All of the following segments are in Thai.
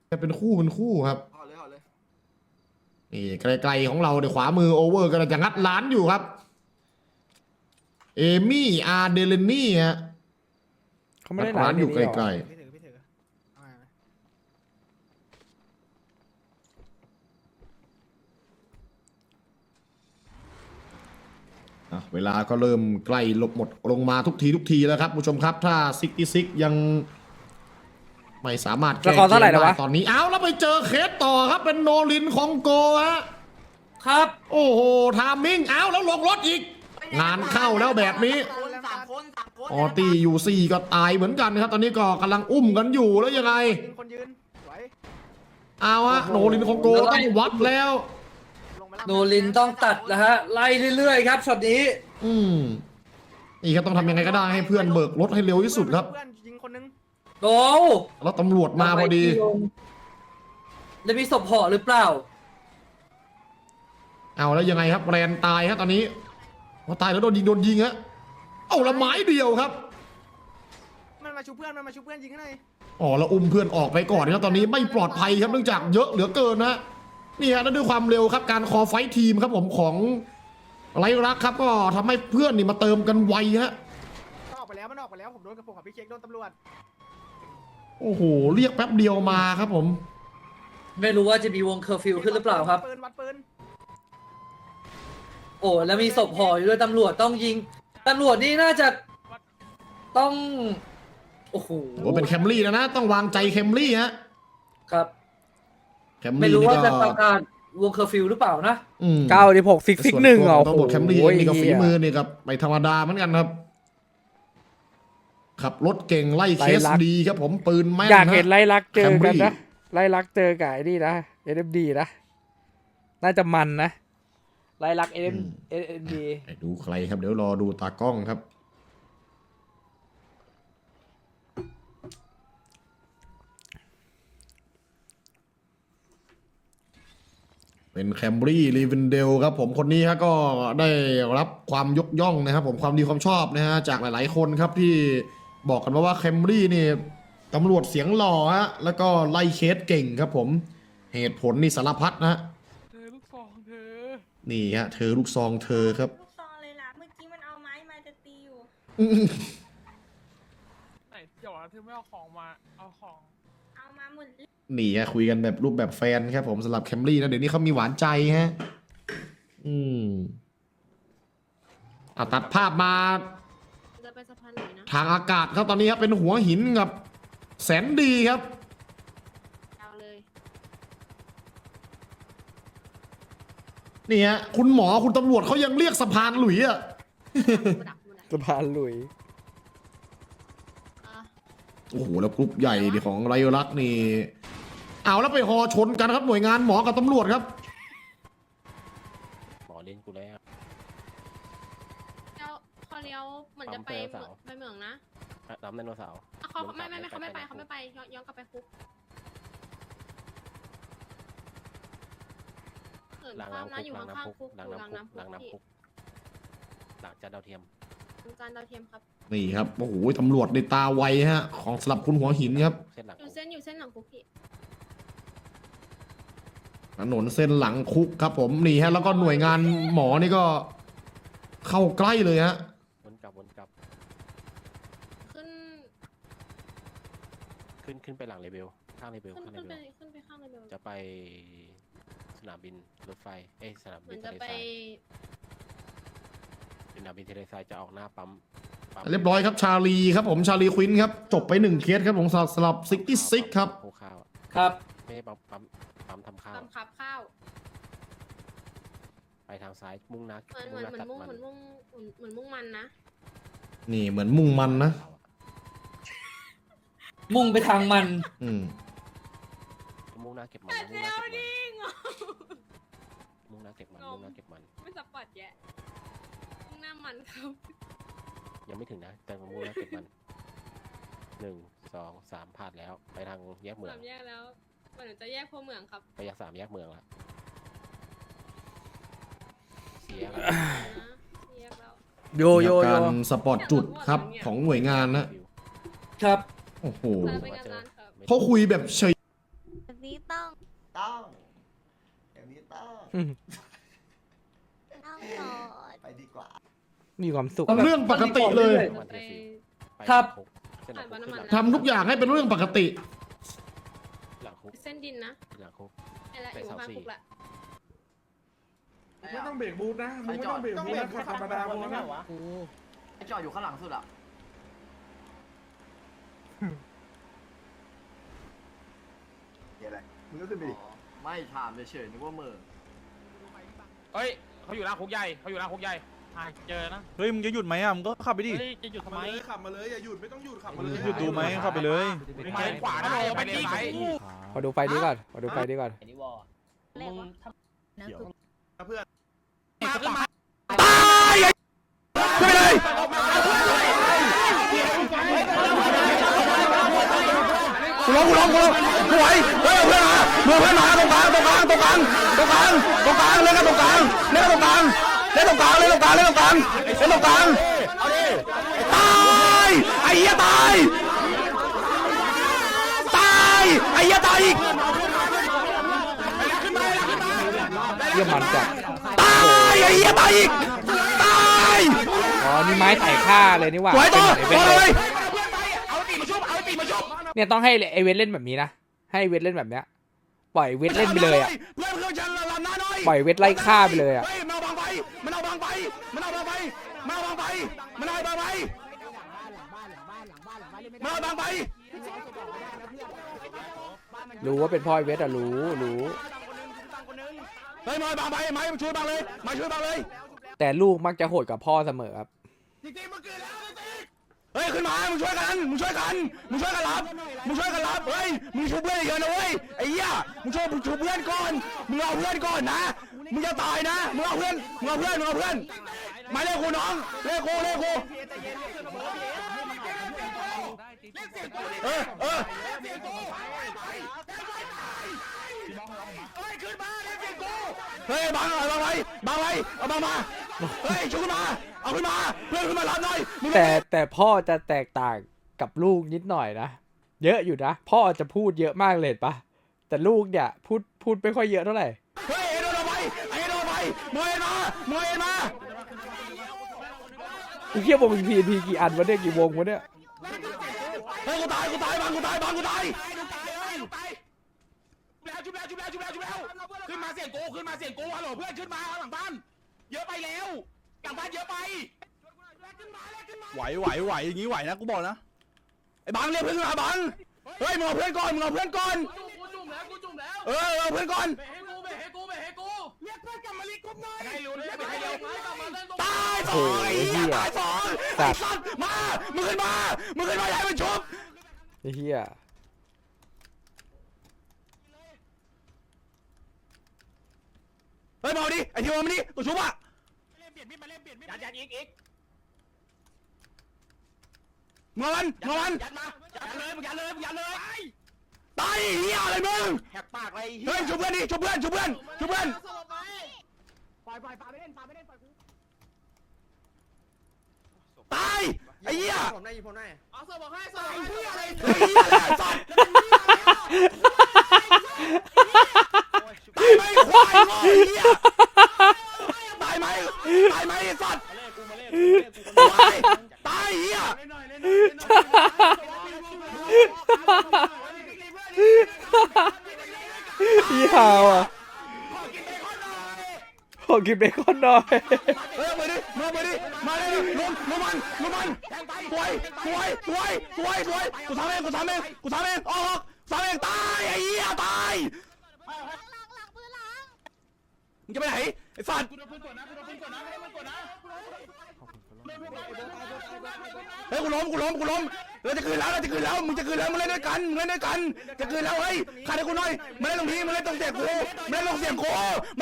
เป็นคู่ครับห่อเลยห่อเลยนี่ไกลๆของเราในขวามือโอเวอร์กำลังจะงัดร้านอยู่ครับเอมี่อาร์เดเลนี่ฮะเขาไม่ได้ร้านอยู่ไกลพี่ถือเอามาๆเวลาก็เริ่มใกล้หลบหมดลงมาทุกทีแล้วครับผู้ชมครับถ้าซิกยังไม่สามารถแก้เกมได้ตอนนี้เอาแล้วไปเจอเคสต่อครับเป็นโนลินของโกฮะครับโอ้โหทามมิ่งเอาแล้วลงรถอีก งานเข้าแล้วแบบนี้สามคนออตี้อยู่4ก็ตายเหมือนกันครับตอนนี้ก็กำลังอุ้มกันอยู่แล้วยังไงคนยืนไหวเอาฮะโนลินของโกต้องวัดแล้วลงมาโนลินต้องตัดนะฮะไล่เรื่อยๆครับช็อตนี้นี่ครับต้องทำยังไงก็ได้ให้เพื่อนเบิกรถให้เร็วที่สุดครับเพื่อนยิงคนนึงโดแล้วตำรวจมาพอดีจะมีศพห่อหรือเปล่าเอาแล้วยังไงครับแรนตายครับตอนนี้ว่าตายแล้วโดนยิงฮะเอาละไม้เดียวครับมันมาชูเพื่อนยิงให้หน่อยอ๋อแล้วอุ้มเพื่อนออกไปก่อนครับตอนนี้ไม่ปลอดภัยครับเนื่องจากเยอะเหลือเกินนะนี่ฮะนั่นด้วยความเร็วครับการคอไฟท์ทีมครับผมของไรรักครับก็ทำให้เพื่อนนี่มาเติมกันไวฮะมันออกไปแล้วผมโดนกับผมกับพี่เค้กโดนตำรวจโอ้โหเรียกแป๊บเดียวมาครับผมไม่รู้ว่าจะมีวงเคอร์ฟิวขึ้นหรือเปล่าครับวัดปืนโอ้แล้วมีศพห่ออยู่ด้วยตำรวจต้องยิงตำรวจนี่น่าจะต้องโอ้โหโอ้เป็นแคมรี่แล้วนะต้องวางใจแคมรี่ฮะครับแคมไม่รี่รู้นี่ว่าก็จะประกาศวงเคอร์ฟิวหรือเปล่านะ 96ซิกหนึ่งเหรอตำรวจแคมรี่โอ้ยนี่ก็ฝีมือนี่กับไม่ธรรมดาเหมือนกันครับขับรถเก่งไล่เคสดีครับผมปืนแม่นอยากเห็นฮะไล่ลักเจอกัน Camry นะไล่ลักเจอกับไอ้นี่นะ SMD นะน่าจะมันนะไล่ลัก SMD ดูใครครับเดี๋ยวรอดูตากล้องครับ เป็นแคมบรี่ลีเวนเดลครับผมคนนี้ฮะก็ได้รับความยกย่องนะครับผมความดีความชอบนะฮะจากหลายๆคนครับที่บอกกันมาว่าแคมบรี่นี่ตำรวจเสียงหล่อฮะแล้วก็ไล่เคสเก่งครับผมเหตุผลนี่สารพัดนะฮะเธอลูกซองเธอนี่ฮะเธอลูกซองเธอครับลูกซองเลยล่ะ เมื่อกี้มันเอาไม้มาจะตีอยู่ไหนเดี๋ยวเธอไม่เอาของมาเอาของเอามาหมดเลยนี่ฮะคุยกันแบบรูปแบบแฟนครับผมสำหรับแคมรี่นะเดี๋ยวนี้เขามีหวานใจฮะตัดภาพมาจะไปสะพานไหนนะทางอากาศครับตอนนี้ครับเป็นหัวหินกับแสนดีครับเอาเลยนี่ฮะคุณหมอคุณตำรวจเขายังเรียกสะพานหลุยอ่ะดักดูนะสะพานหลุยอ่ะโอ้โหแล้วกรุ๊ปใหญ่ดิของไรรักนี่เอาแล้วไปฮอชนกันครับหน่วยงานหมอกับตำรวจครับหมอเล่นกูแล้วแล้วเขาเลี้ยวเหมือนจะไปเมืองนะน้ำไดโนเสาร์อ่ะเขาไม่เขาไม่ไปย้อนกลับไปคุกเหินล้างข้ามน้ำนะอยู่คุกล้างข้างน้ำคุกๆคุกล้างอยู่น้ำคุกล้างล้างน้ำคุกหลังจานดาวเทียมจานดาวเทียมครับนี่ครับโอ้โหตำรวจในตาไวฮะของสลับคุณหัวหินครับเส้นหลังอยู่เส้นหลังคุกพี่ถนนเส้นหลังคุกครับผมนี่ฮะแล้วก็หน่วยงานหมอนี่ก็เข้าใกล้เลยฮะวนกลับขึ้นขึ้นไปหลังเลเวลข้างเลเวลขึ้นไปข้างเลยเบลจะไปสนามบินรถไฟสนามเหมืบิอน นทะจะเลไปทรายสนามบินทะเลทรายจะออกหน้าปั๊มเรียบร้อยครับชาลีครับผมชาลีควินครับจบไป1เคสครับผมสำหรับ66ครับโคข้าวครับไม่ใช่ปั๊มทำข้าวตำขับข้าวไปทางซ้ายมุ่งหน้าเหมือนมุ่งมันนะนี่เหมือนมุ่งมันนะมุ่งไปทางมันมุ่งหน้าเก็บมันแต่เซลดิงมุ่งหน้าเก็บมันไม่สปอร์ตแยะมุ่งหน้ามันครับยังไม่ถึงนะแต่มุ่งหน้าเก็บมัน1 2 3ผ่านแล้วไปทางแยกเหมือง 3 แยกแล้วเหมือนจะแยกพวเมืองครับไป3 แยกเมืองละเสียแยกแล้วโยการสปอร์ตจุดครับของหน่วยงานนะครับ โอ้โหไปงานร้านครับเขาคุยแบบเฉยนี้ต้องอย่างนี้ต้องต้องโหลดไปดีกว่ามีความสุขเรื่องปกติเลยวันที่สี่ไปครับคุกเส้นหลังคุกทำทุกอย่างให้เป็นเรื่องปกติหลังคุกเส้นดินนะหลังคุกไอ้ละอยู่ข้างคุกละไม่ต้องเบรกบูทนะมึงไม่ต้องเบรกบูทนะธรรมดาพอนะไอจอดอยู่ข้างหลังสุดอ่ะเดี๋ยวอะไรมึงก็ขึ้นไปดิไม่ถามเฉยๆนึกว่ามือเฮ้ยเขาอยู่หน้าคุกใหญ่เขาอยู่หน้าคุกใหญ่เจอนะเฮ้ยมึงจะหยุดไหมอ่ะมึงก็ขับไปดิเฮ้ยจะหยุดทำไมขับมาเลยอย่าหยุดไม่ต้องหยุดขับมาเลยหยุดดูไหมขับไปเลยไปขวานะไปเลนซ้ายขอดูไฟนี้ก่อนขอดูไฟนี้ก่อนเรียกว่านะคือมาขึ้นมาไปเลยกูร้องกูไหวเฮ้ยเพื่อนมาตรงกลางเล่นกันตรงกลางเล่นกันตรงกลางตายไอ้เหี้ยตายไอ้เหี้ยตายอีกเยี่ยมมันจัดตายไอ้เหี้ยตายอีกตายอ๋อนี่ไม้ไถ่ฆ่าเลยนี่หว่าไหวต่อเป็นเหมือนไอ้เวทเลเลย ยเอาตีมาชุบเอาตีมาชุบเนี่ยต้องให้ไอเวทเล่นแบบนี้นะให้ไอ้เวทเล่นแบบเนี้ยปล่อยเวทเล่นไปเลยอ่ะเพื่อนฉันลำหน้าหน่อยปล่อยเวทไล่ฆ่าไปเลยอ่ะเฮ้ยมันเอาบางไปมันเอาบางไปรู้ว่าเป็นพ่อไอเวทอ่ะรู้เฮ้ยมาบางไปไม้มาช่วยบางเลยมาช่วยบางเลยแต่ลูกมักจะโหดกับพ่อเสมอครับเฮ้ยขึ้นมามึงช่วยกันรับเฮ้ยมึงช่วยเพื่อนเยอะนะเว้ยไอ้เหี้ยมึงช่วยเพื่อนก่อนมึงเอาเพื่อนก่อนนะมึงจะตายนะมึงเอาเพื่อนมาเรียกกูน้องเรียกกูเออเฮ้ยบังเอาบางมาเฮ้ยช่วยขึ้นมาเอาขึ้นมาเพื่อนขึ้นมารับหน่อยแต่พ่อจะแตกต่างกับลูกนิดหน่อยนะเยอะอยู่นะพ่อจะพูดเยอะมากเลยปะแต่ลูกเนี่ยพูดไม่ค่อยเยอะเท่าไหร่เฮ้ยโดนเอาไปมวยมาไอ้เหี้ยวงพีกี่อันวะเนี่ยกี่วงวะเนี่ยเฮ้ยกูตายบังกูตายชุบแล้วขึ้นมาเสียงกูฮัลโหลเพื่อนขึ้นมาหลังบ้านเยอะไปแล้วหลังบ้านเยอะไปไหวอย่างงี้ไหวนะกูบอกนะไอ้บังเรียกเพื่อนมาบังเฮ้ยมึงเอาเพื่อนก่อนเอาเพื่อนก่อนกูจุ่มแล้วเอาเพื่อนก่อนเบให้กูเรียกเพื่อนกลับมาลีกรุ๊ปหน่อยให้รู้ด้วยให้เร็วกลับมาเล่นตรงตายสองไอ้เหี้ยตายสองไอ้สัตว์มามึงขึ้นมาให้มันชุบไอ้เหี้ยเฮ้ยมาดิไอ้ทีมมาดิตัวชุบอ่ะยัดอีกมึงเอามันยัดเลยตายเหี้ยอะไรมึงแหกปากเลยเฮ้ยชุบเพื่อนดิชุบเพื่อนตายไอ้เหี้ยผมได้ผมได้เอาสบอกให้สไอ้เหี้ยอะไรสัตว์ตายไหมควายโง่ไอ้เหี้ยตายไหมไอ้สัตว์ตายเหี้ยพี่ฮาวอ่ะขอกินเบคอนหน่อยเฮ้ยมาดิมาเลยลุมมันสวยกูทำเองออกทำเองตายไอ้เหี้ยตายมึงจะไปไหนไอ้สัตว์เฮ้ยกูล้มเราจะคืนแล้วมึงจะคืนแล้วมึงเล่นด้วยกันจะคืนแล้วเฮ้ยขาดให้กูหน่อยมาเล่นตรงนี้มาเล่นตรงเสียงกูมาเล่นตรงเสียงกู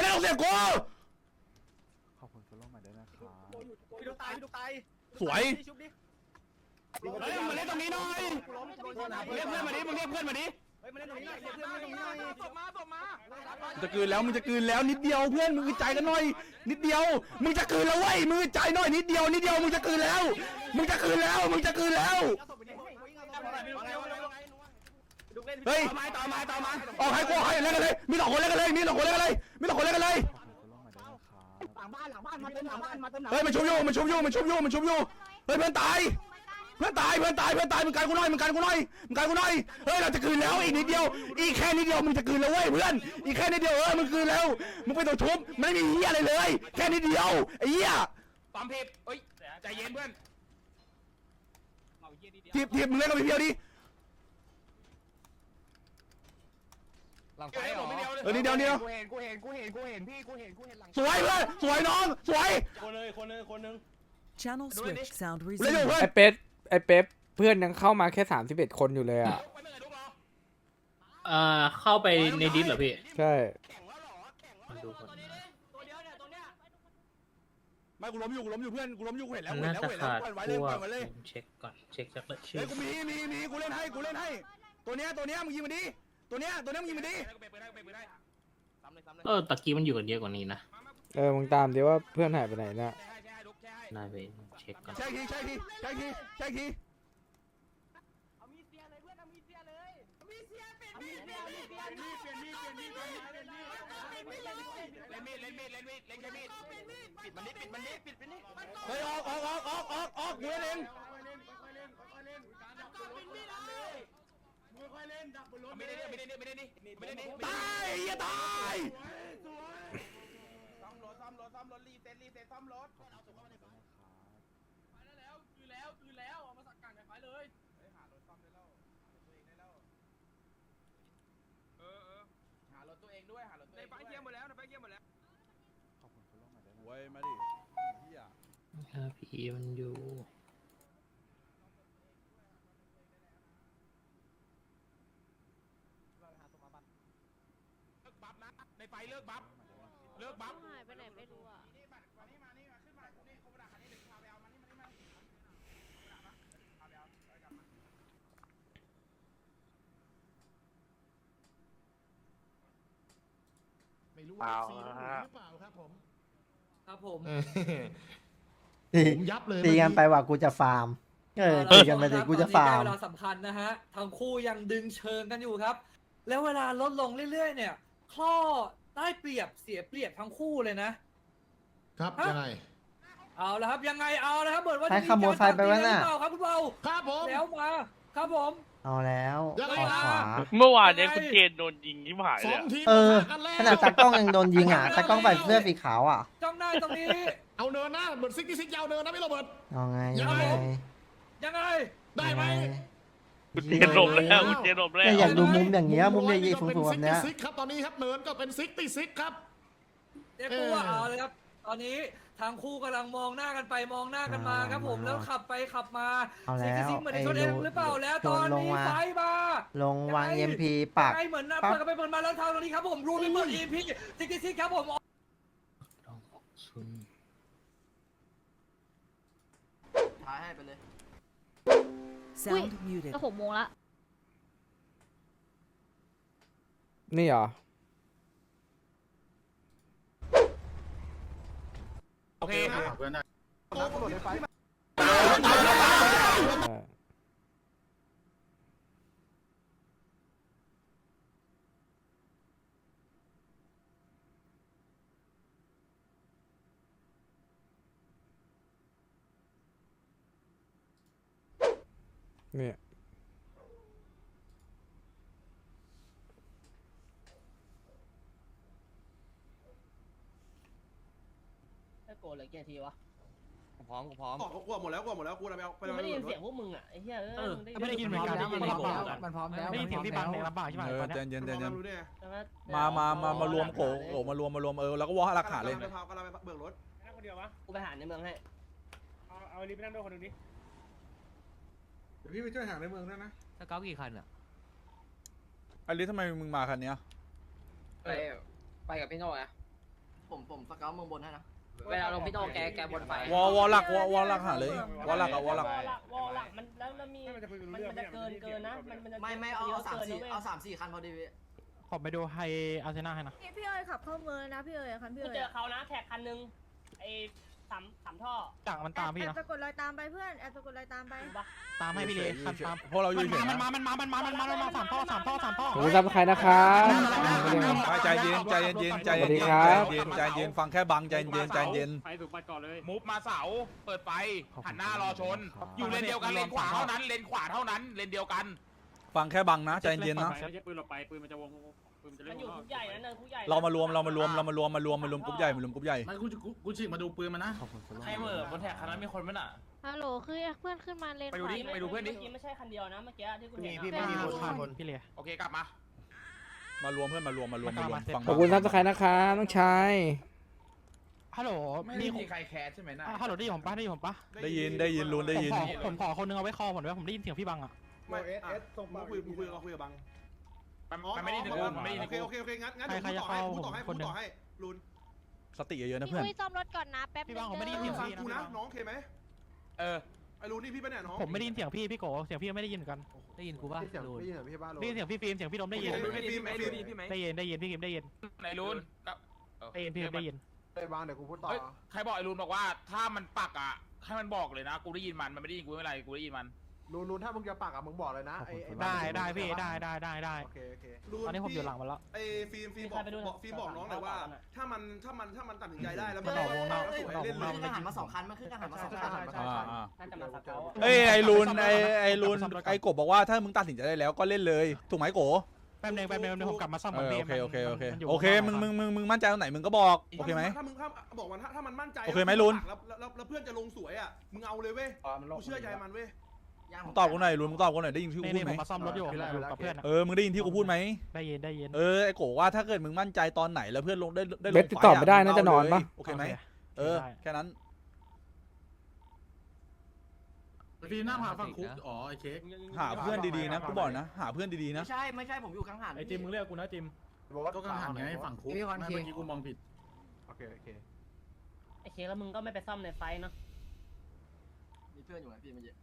พี่ดูตายสวยชุบดิเฮ้ยมาเล่นตรงนี้หน่อยเรียกเพื่อนมาดิมึงเรียกเพื่อนมาดิเฮ้ยมาเล่นตรงนี้หน่อยเรียกเพื่อนมาตรงนี้หน่อยส่งมามึงจะคืนแล้วนิดเดียวเพื่อนมึงใจกันหน่อยนิดเดียวมึงจะคืนแล้วเว้ยมึงใจหน่อยนิดเดียวมึงจะคืนแล้วเอาศพไปดิมึงจะคืนแล้วเอาศพไปดิเฮ้ยต่อมาออกให้กูให้เล่นกันเลยมี2 คนเล่นกันเลยมี2 คนเล่นกันเลยหลังบ้านมาเติมหลังบ้านเฮ้ยมันชุบอยู่เฮ้ยเพื่อนตายมึงกันกูหน่อยเฮ้ยเราจะคืนแล้วอีกนิดเดียวอีกแค่นิดเดียวมึงจะคืนแล้วเว้ยเพื่อนอีกแค่นิดเดียวมึงคืนแล้วมึงไปตัวชุบไม่มีเหี้ยอะไรเลยแค่นิดเดียวไอ้เหี้ยปั๊มเพบเฮ้ยใจเย็นเพื่อนทีบมึงเล่นกับพี่เพียวดิหลังไฟเหรอนิดเดียวกูเห็นพี่กูเห็นหลังสวยเพื่อนสวยน้องสวยคนนึง Channel switch sound เล่นอยู่ resumed. เพื่อนไอ้เป๊ปเพื่อนยังเข้ามาแค่31คนอยู่เลยอ่ะเข้าไปในดิสเหรอพี่ใช่ดูก่อนไม่กูล้มอยู่เพื่อนกูล้มอยู่กูเห็นแล้วน่าจะขาดปล่อยไว้พเลยว ปล่กอยไว้เลยเช็คก่อนเช็คจากชื่เฮ้อยกูมีกูเล่นให้ตัวเนี้ยมึงยิงมันดิตัวเนี้ยมึงยิงมันดิตะกี้มันอยู่กันเยอะกว่านี้นะมึงตามดิว่าเพื่อนหายไปไหนนะนายไปเช็คก่อนใช่ทีปิดมันนี่ปิดมันนี่เฮ้ยออกกูเล่นเองไม่ได้นี่ตายอย่าตายซ่อมรถรีเซ็ตซ่อมรถคือแล้วเอามาสักการไฟเลยหารถซ่อมได้แล้วหารถตัวเองด้วยในไฟเยี่ยมหมดแล้วเว้ยมาดิเฮียพี่มันอยู่บัฟนะในไฟเลิกบัฟหายไปไหนไม่รู้อ่ะมาขึ้นมานี่โคบดาคันนี้เดี๋ยวพาไปเอามานี่ไม่รู้ว่าซีรู้หรือเปล่าครับผมครับผมผมยับเลยตีกันไปว่ากูจะฟาร์มตีกันไปดิกูจะฟาร์มเวลาสำคัญนะฮะทั้งคู่ยังดึงเชิงกันอยู่ครับ แล้วเวลาลดลงเรื่อยๆเนี่ยข้อได้เปรียบเสียเปรียบทั้งคู่เลยนะครับยังไงเอาละครับยังไงเอาละครับเหมือนว่าใครขโมยไฟไปวะน่ะหรือเปล่าครับคุณเบาครับผมแล้วมาครับผมเอาแล้วยังไงออกขวาเมื่อวานเนี่ยคุณเจนโดนยิงที่หายสเลอย งทีมเออปะทะกันแล้วขนาดตากล้องยังโดนยิงอ่ะตากล้องใส่เสื้อสีขาวอ่ะจ้องหน้าตรงนี้เอาเนินนะเหมือนซิกยาวเนินนะพี่โรเบิร์ตเอาไงยังไงยังไงได้ไหมคุณเจนหลบแล้วคุณเจนหลบแล้วเนี่ยอยากดูมุมอย่างเงี้ยมุมใหญ่ๆสูงๆแบบเนี้ยซิกครับตอนนี้ครับเนินก็เป็นซิกตี้ซิกครับเรียกตัวเอาเลยครับ ตอนนี้ทั้งคู่กำลังมองหน้ากันไปมองหน้ากันมาครับผมแล้วขับไปขับมาเอาแล้วซิกเหมือนในชนเองหรือเปล่าแล้วตอนนี้ไฟมาลงวาง EMP ปักไงเหมือนนะปั๊บเปิดกันไปเปิดมาแล้วทางตรงนี้ครับผมรูมไปเปิด EMP ซิกครับผมท้ายให้ไปเลย sound muted ก็6 โมงละนี่เหรอโอเคครับเนี่ยโกรธเลยกี่ทีวะพร้อมกลัวหมดแล้วกูเราไปเอาไม่ได้ยินเสียงพวกมึงอ่ะไอ้เหี้ยไม่ได้ยินเหมือนกันมันพร้อมแล้วได้ยินเสียงพี่บังในลำบากใช่ไหมใจเย็นรู้ได้มารวมโกมารวมแล้วก็วอลหลักฐานเลยกำลังไปเบิกรถกูไปหาในเมืองให้เอาลิฟต์ไปนั่งด้วยคนนี้เดี๋ยวพี่ไปช่วยหาในเมืองด้วยนะสเกลกี่คันอ่ะไอ้ลิททำไมมึงมาคันนี้ไปกับพี่โน่อะผมสเกลเมืองบนให้นะเวลาลงพี่โน่แกบนไฟวอลหลักหาเลยวอลหลักมันแล้วมีมันจะเกินนะมันจะไม่เอา3-4คันพอดีขอไปดูไฮอาร์เซน่าให้นะพี่เอ๋ยขับเข้าเมืองนะพี่เอ๋ยคันพี่กูเอ๋ยเจอเขานะแท็กคันนึงไอ้สามท่อต่างมันตามพี่แอนะบสะกดรอยตามไปเพื่อนแอบสะกดรอยตามไปตามให้พี่เลยคันตามพวกเราอยู่เฉยมันมาสามท่อขอบคุณซับสไครต์นะครับใจเย็นใจเย็นใจสวัสเย็ดีนครับใจเย็นฟังแค่บังใจเย็นใจเย็นไปถูกไปก่อนเลยมุฟมาเสาเปิดไฟหันหน้ารอชน อยู่เลนเดียวกันเลนขวาเท่านั้นเลนขวาเท่านั้นเลนเดียวกันฟังแค่บังนะใจเย็นนะไม่ใช่ปืนหลบไปปืนมันจะวงปืนมันจะเล่มัน นอยู่คุกใหญ่นะเนินคุกใหญ่เรามารวมกรุ๊ปใหญ่มารวมกรุ๊ปใหญ่ไม่กูฉีกมาดูปืนมันนะใครเหม่อบนแท็กคันนั้นมีคนมั้ยน่ะฮัลโหลคือเพื่อนขึ้นมาเลนไปดูดิไปดูเพื่อนดิเมื่อกี้ไม่ใช่คันเดียวนะเมื่อกี้ที่คุณเห็นไม่มีรถข้างบนพี่เลยโอเคกลับมามารวมเพื่อนมารวมฟังขอบคุณซับสไครต์นะครับน้องชายฮัลโหลไม่มีใครแคสใช่ไหมนะฮัลโหลได้ยินผมปะได้ยินลุ้นได้ยินผมขอคนนึงเอาไว้คอผมด้วยผมได้ยินเสียงพี่บังอ่ะไม่ส่งมาคุยกับบังมันไม่ได้ถึงกูมันไม่ได้ถึงโอกูเคงั้นเดี๋ยวพูดต่อให้ลุนสติเยอะๆนะพี่เพื่อนคุยซ่อมรถก่อนนะแป๊บนึงผมไม่ได้ยินฟัเสีงยงกูนะน้องโอเคไหมเออไอ้ลุนนี่พี่เป็นเนี่ยน้องผมไม่ได้ยินเสียงพี่โกเสียงพี่ไม่ได้ยินเหมือนกันได้ยินกูป่ะได้ยินเสียงพี่ฟิล์มเสียงพี่ดมได้ยินได้ยินพี่ฟิล์มได้ยินไหนลุนได้ยินพี่ฟิล์มได้ยินได้บ้างเดี๋ยวกูพูดต่อใครบอกไอ้ลุนบอกว่าถ้ามันปักอ่ะให้มันบอกเลยนะกูได้ยินมันไม่ได้ยินกูไม่เป็นไรกูได้ยินมันลุนถ้ามึงจะปักอ่ะมึงบอกเลยนะไอ้ได้พี่ได้โอเคตอนนี้ผมอยู่หลังมันแล้วไอ้ฟิล์มบอกน้องหน่อยว่าถ้ามันตัดสินใจได้แล้วมันมันออกวงนอกสวยเล่นเลยทหารมา2 คันมันขึ้นทหารมา 2 คันน่าจะมาสเกลเอ้ยไอ้ลุนไอ้ลุนไอ้กบบอกว่าถ้ามึงตัดสินใจได้แล้วก็เล่นเลยถูกไหมโกแป๊บนึงผมกลับมาซ่อมก่อนพี่โอเคมึงมั่นใจตรงไหนมึงก็บอกโอเคไหมถ้ามึงบอกว่าถ้ามันมั่นใจโอเคไหมลุนแล้วเพื่อนจะลงสวยอ่ะมึงเอาเลยเว้ยกูเชื่อใจมันเว้ยมึงตอบกูหน่อยลุนมึงตอบกูหน่อยได้ยินที่กูพูดไหมผมมาซ่อมรถอยู่กับเพื่อนมึงได้ยินที่กูพูดไหมได้ยินไอ้โกว่าถ้าเกิดมึงมั่นใจตอนไหนแล้วเพื่อนลงได้ลงเบสติดต่อไม่ได้น่าจะนอนปะโอเคไหมแค่นั้นพี่หน้าผ่าฝั่งคุกอ๋อไอ้เค้กหาเพื่อนดีๆนะกูบอกนะหาเพื่อนดีๆนะไม่ใช่ผมอยู่กังหันไอ้จิมมึงเรียกกูนะจิมก็กังหันไงฝั่งคุกไม่เมื่อกี้กูมองผิดโอเคไอ้เคแล้วมึงก็ไม่ไปซ่อมในไฟเนาะมีเพื่อนอยู่ไหมพี่เมื่อกี้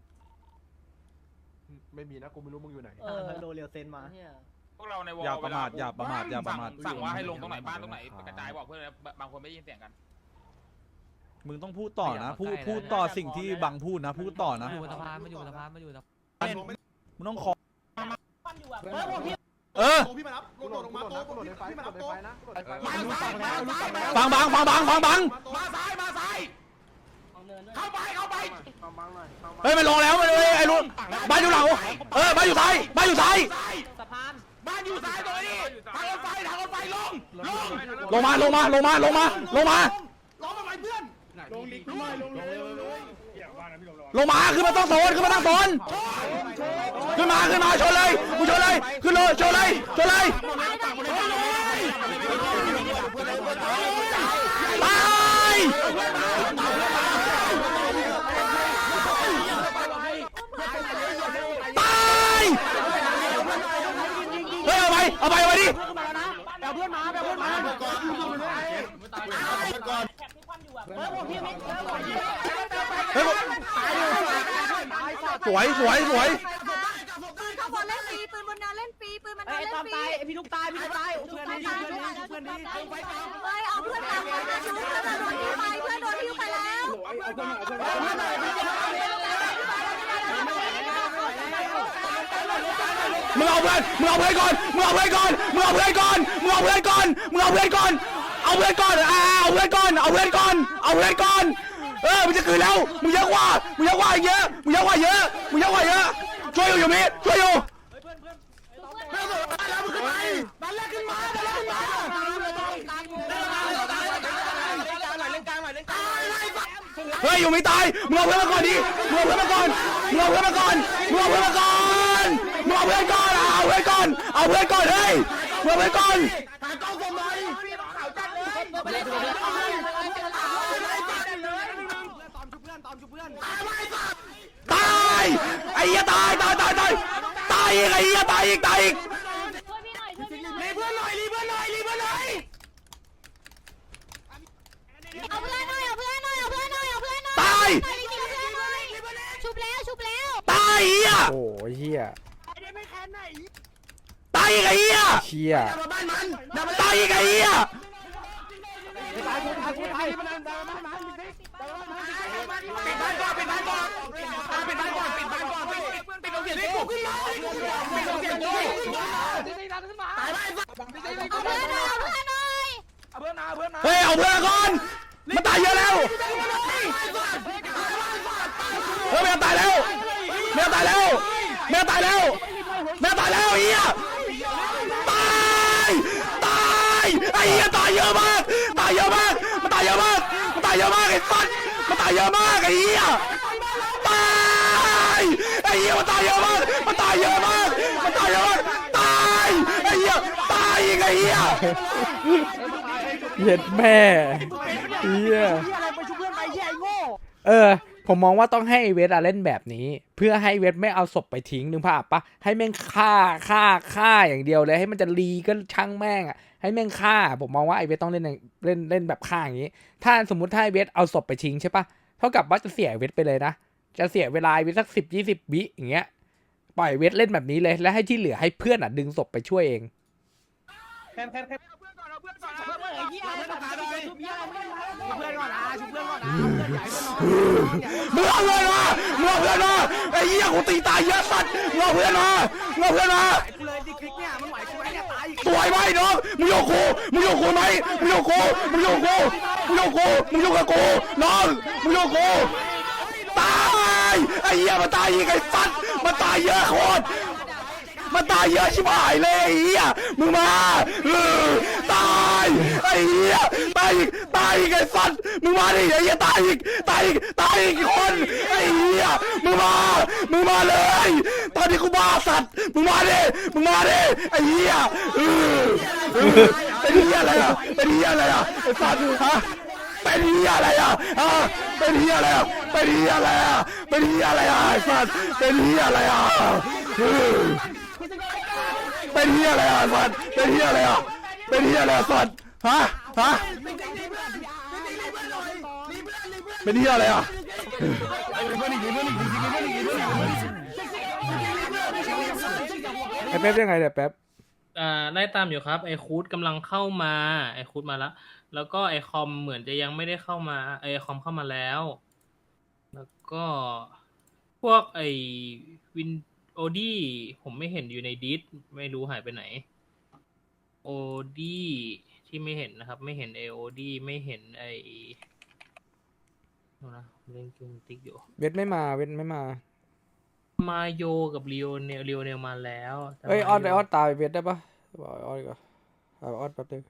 ไม่มีนะกูไม่รู้มึงอยู่ไหนโดเรียวเซนมาพวกเราในวอลอย่าประมาทอย่าประมาทสั่งว่าให้ลงตรงไหนบ้านตรงไหนกระจายบอกเพื่อนบางคนไม่ได้ยินเสียงกันมึงต้องพูดต่อนะพูดต่อสิ่งที่บังพูดนะพูดต่อนะอยู่สภามึงต้องขอปั้นอยู่อ่ะพี่มารับโดดลงมาโต๊ะพี่มารับโต๊ะฟังบังมาซ้ายเข้าไปเฮ้ยมันลงแล้วมันไอ้ลุนบ้านอยู่หลังบ้านอยู่ซ้ายสะพานบ้านอยู่ซ้ายตรงนี้ทางรถไฟลงลงมาล้อมาไหมเพื่อนลงมาขึ้นมาตั้งโซนขึ้นมาชนเลยกูชนเลยขึ้นเลยชนเลยตายเฮ้ยเอาไปดิแท็กที่ปั้นอยู่อ่ะสวยปืนข้างบนเล่นฟรีปืนบนนาเล่นฟรีปืนมันนาเล่นฟรีพี่ลูกตายเพื่อนดีเฮ้ยเอาเพื่อนตามมาดูเพื่อนโดนทิ้งไปเพื่อนโดนทิ้งไปแล้วมึงเอาเพื่อนก่อนเอาเพื่อนก่อนมันจะคืนแล้วมึงเยอะกว่าเยอะช่วยอยู่มิช่วยอยู่เฮ้ยอยู่ไม่ตายมึงเอาเพื่อนมาก่อนดิมึงเอาเพื่อนก่อนเอาเพื่อนก่อนเฮ้ยมึงเอาเพื่อนก่อนมึงเอาเพื่อนก่อนตายไอ้เหี้ยตายอีกไอ้เหี้ยตายอีกช่วยพี่หน่อยรีเพื่อนหน่อยเอาเพื่อนหน่อยตายชุบแล้วตายเหี้ยโอ้ยเฮียตายอีกไอ้เหี้ยเชียตายอีกไอ้เหี้ยปิดบ้านก่อนปิดบ้านก่อนปิดบ้านก่อนปิดบ้านก่อนปิดโรงเรียนกูขึ้นมาปิดโรงเรียนกูตายไปเอาเพื่อนหน่อยเอาเพื่อนมาเฮ้ยเอาเพื่อนก่อนมันตายเยอะแล้วเฮ้ยแมวตายแล้วแมวตายแล้วแมวตายแล้วแมวตายแล้วเฮียตายไอ้เฮียตายเยอะมากตายเยอะมากมันตายเยอะมากมันตายเยอะมากไอ้สัสมันตายเยอะมากไอ้เฮียตายไอ้เฮียมันตายเยอะมากมันตายเยอะมากมันตายเยอะมากตายไอ้เฮียตายอีกไอ้เฮียเย็ดแม่เฮียผมมองว่าต้องให้เวทเล่นแบบนี้ เพื่อให้เวทไม่เอาศพไปทิ้งนึกภาพปะให้แม่งฆ่าอย่างเดียวเลยให้มันจะรีก็ช่างแม่งอ่ะให้แม่งฆ่าผมมองว่าไอเวทต้องเล่นแบบฆ่าอย่างนี้ถ้าสมมติถ้าไอเวทเอาศพไปทิ้งใช่ปะเท่ากับว่าจะเสียเวทไปเลยนะจะเสียเวลาเวทสัก10-20 วิอย่างเงี้ยปล่อยเวทเล่นแบบนี้เลยแล้วให้ที่เหลือให้เพื่อนดึงศพไปช่วยเองมึงเอาเพื่อนมามึงเอาเพื่อนมาไอ้เหี้ยกูตีตายเยอะสัตว์มึงเอาเพื่อนมามึงเอาเพื่อนมาสวยไหมน้องมึงอยู่กูไหมมึงอยู่กูกับกูน้องมึงอยู่กูตายไอ้เหี้ยมันตายอีกไอ้สัตว์มันตายเยอะโคตรมันตายเยอะชิบหายเลยไอ้เหี้ยมึงมาตายไอ้เหี้ยตายอีกไอ้สัตว์มึงมาดิไอ้เหี้ยตายอีกคนไอ้เหี้ยมึงมาเลยตอนนี้กูบ้าสัตว์มึงมาดิไอ้เหี้ยเป็นเหี้ยอะไรอ่ะไอ้สัตว์ฮะเป็นเหี้ยอะไรอ่ะเป็นเหี้ยอะไรอ่ะไอ้สัตว์เป็นเหี้ยอะไรอ่ะเป็นเหี้ยอะไรอ่ะสัตว์เป็นเหี้ยอะไรอ่ะสัตว์ฮะเป็นเหี้ยอะไรอ่ะไอ้แป๊บยังไงเนี่ยแป๊บไล่ตามอยู่ครับไอคูดกำลังเข้ามาไอคูดมาแล้วก็ไอคอมเหมือนจะยังไม่ได้เข้ามาไอคอมเข้ามาแล้วก็พวกไอวินโอดี้ผมไม่เห็นอยู่ในดิสไม่รู้หายไปไหนโอดี้ที่ไม่เห็นนะครับไม่เห็นไอโอดี้ไม่เห็นไอนะเล่นกิมติ๊กอยู่เวทไม่มามาโยกับเรียวเนลมาแล้วเอ้ยออดตายเวทได้ปะบอกออดก่อนออดแป๊บนึง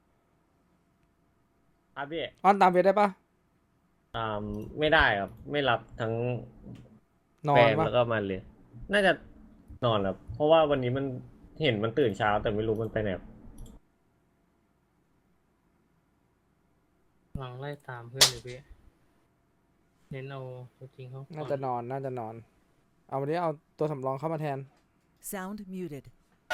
ครับพี่ออดตามเวทได้ปะไม่ได้ครับไม่รับทั้งนอนปะแล้วก็มาเลยน่าจะนอนครับเพราะว่าวันนี้มันเห็นมันตื่นเช้าแต่ไม่รู้มันไปไหนกำลังไล่ตามเพื่อนเลยพี่เน้นเอาตัวจริงเขาน่าจะนอนเอาวันนี้เอาตัวสำรองเข้ามาแทน Sound muted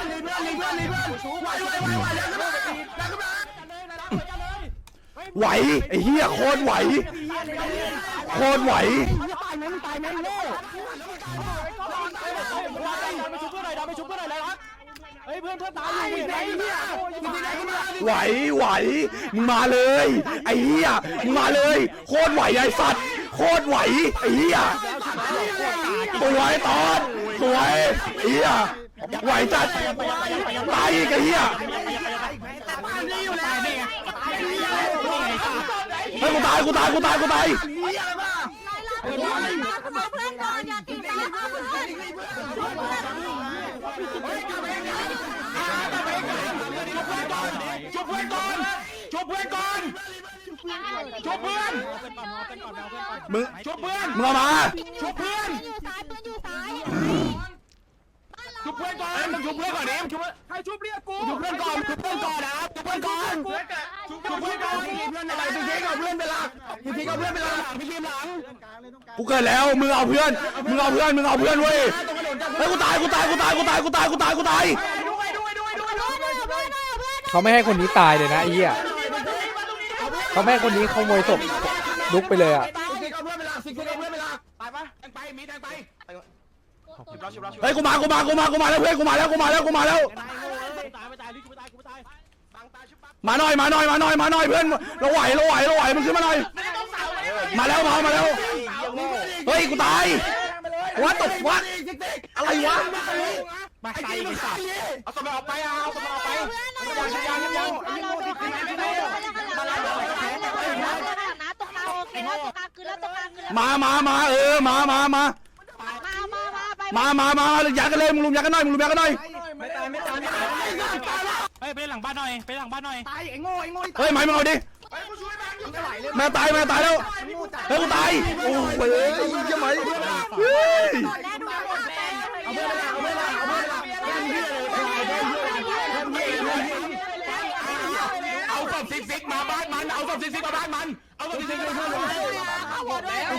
ไหวไอ้เหี้ยโคตรไหวไหวมึงมาเลยไอ้เหี้ยมึงมาเลยโคตรไหวไอ้สัตว์โคตรไหวไอ้เหี้ยสวยตอนสวยไอ้เหี้ยไหวจัดตายอีกไอ้เหี้ยเฮ้ยกูตายเพื่อนก่อนอย่าตีกันชุบเพื่อนก่อนมึงชุบเพื่อนมึงเอามาชุบเพื่อนก่อนมึงชุบเพื่อนก่อนดิมึงชุบให้ชุบเรียกกูชุบเพื่อนก่อนนะชุบเพื่อนก่อนชุบเพื่อนก่อนอะไรพี่เค้กเอาเพื่อนไปหลักพี่ทีมหลังกูเกิดแล้วมึงเอาเพื่อนเว้ยเฮ้ยกูตายเขาไม่ให้คนนี้ตายเลยนะไอ้เหี้ยเขาไม่ให้คนนี้ขโมยศพลุกไปเลยอ่ะเฮ้ยกูมาแล้วเพื่อนกูมาแล้วมาหน่อยเพื่อนเราไหวมึงขึ้นมาหน่อยมาแล้วเฮ้ยกูตายวัดตกวัดอะไรวะมาใส่ไอ้สัตว์เอาตัวมันออกไปเอาตัวมันออกไปยังไอ้โง่ที่ขึ้นไม่ได้มาแล้วนะตกกลางโอเคแล้วตกกลางคืนแล้วตกกลางคืนแล้วมามามายัดกันเลยมึงลุมยัดกันหน่อยมึงลุมยัดกันหน่อยไม่ตายไม่ตายไม่ตายเฮ้ยไปหลังบ้านหน่อยไปหลังบ้านหน่อยตายไอ้โง่เฮ้ยไม้มึงเอาดิแม่ตายแล้วเฮ้ยกูตายโอ้ยเฮ้ยยังไงเฮ้ยหมดแล้วดูหมดแล้วเอาศพซิกมาบ้านมันเอาศพซิกมาบ้านมันเอาศพซิกมาบ้านมันหมดแล้ว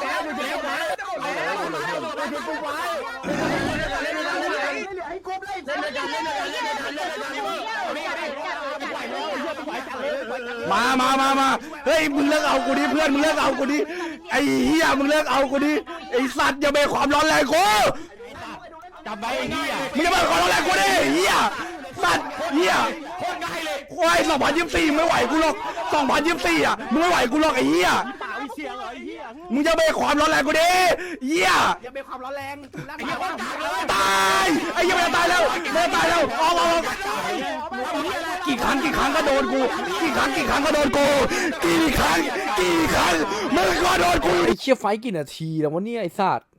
มาเฮ้ยมึงเลิกเอากูดิเพื่อนมึงเลิกเอากูดิไอ้เหี้ยมึงเลิกเอากูดิไอ้สัตว์อย่าไปความร้อนแรงกูจับไว้ไอ้เหี้ยมึงอย่าไปความร้อนแรงกูดิเหี้ยสัตว์เหี้ยโคตรง่ายเลยควาย2024ไม่ไหวกูหรอก2024อ่ะมึงไม่ไหวกูหรอกไอ้เหี้ยป่าวิเชียงเหรอไอ้เหี้ยมึงจะไปความร้อนแรงกูดิเหี้ยอย่าไปความร้อนแรงไอ้เหี้ยคนกากเลยตายไอ้เหี้ยมันจะตายแล้วออกกี่ครั้งก็โดนกูกี่ครั้งก็โดนกูกี่ครั้งมึงก็โดนกูไอ้เชี่ยไฟท์กี่นาทีแล้ววะเนี่ยไอ้สัตว์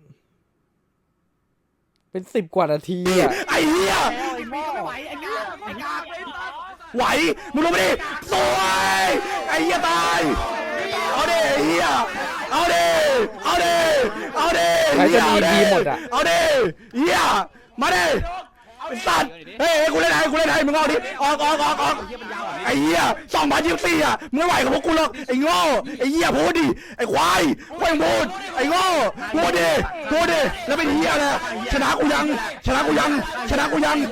เป็น10 กว่านาทีอ่ะไอ้เหี้ยไม่ไหวไอ้กากไอ้กากไหวมึงลงมาดิสวยไอ้เหี้ยตายเอาดิไอ้เหี้ยเอาดิใครจะมีทีหมดอ่ะเอาดิเหี้ยมาดิสัตว์เฮ้ยกูเล่นให้มึงเอาดิออกไอ้เหี้ย2024อ่ะมึงไม่ไหวกับพวกกูหรอกไอ้โง่ไอ้เหี้ยพูดดิไอ้ควายพูดไอ้โง่พูดดิแล้วเป็นเหี้ยเลยชนะกูยังไอ้โง่ชนะกูยัง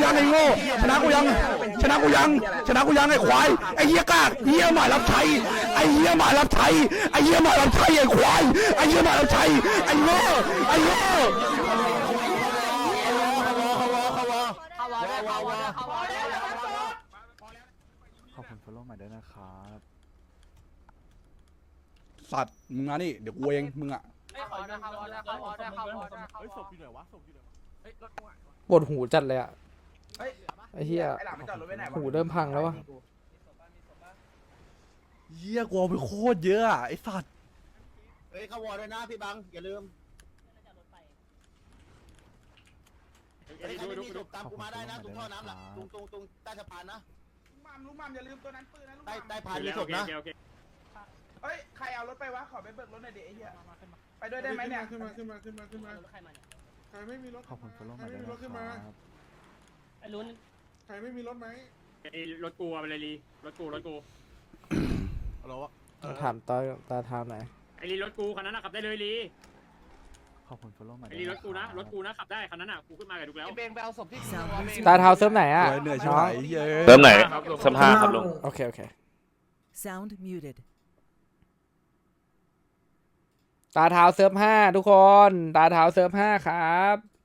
ไอ้ควายไอ้เหี้ยกากเหี้ยหมารับใช้ไอ้ควายไอ้เหี้ยหมารับใช้ไอ้โง่ขอบคุณฟอลโล่ใหม่ด้วยนะครับสัตว์มึงมานี่เดี๋ยวกูเองมึงอ่ะปวดหูจัดเลยอ่ะไอ้เหี้ยหูเริ่มพังแล้ววะเหี้ยกูเอาไปโคตรเยอะอ่ะไอ้สัตว์เฮ้ยเข้าวอร์ด้วยนะพี่บังอย่าลืมใครไม่มีศพตามกูมาได้นะตรงท่อน้ำหลังตรงใต้สะพานนะลุงมัมอย่าลืมตัวนั้นปืนนะลุงใต้พานมีศพนะเฮ้ยใครเอารถไปวะขอไปเบิกรถหน่อยดิไอ้เหี้ยไปด้วยได้ไหมเนี่ยขึ้นมาใครไม่มีรถขอบคุณฟอลโล่ใหม่ด้วยนะครับไอ้ลุ้นใครไม่มีรถไหมรถกูเอาไปเลยลีรถกูถามตาทามไหนอยไอ้ลีรถกูคันนั้นขับได้เลยลีขอบคุณฟอลโล่ใหม่ไอ้ด้วยลีนะรถกูนะรถกูนะขับได้คันนั้นกูขึ้นมากับดูแล้วเบงไปเอาศพที่ตาเท้าเซิร์ฟไหนอ่ะเหนื่อยชิบน้องหายเหี้ยเติมไหนสัมภาครับลุงโอเค Sound muted ตาเท้าเซิร์ฟ5ทุกคนตาเท้าเซิร์ฟ5ครับ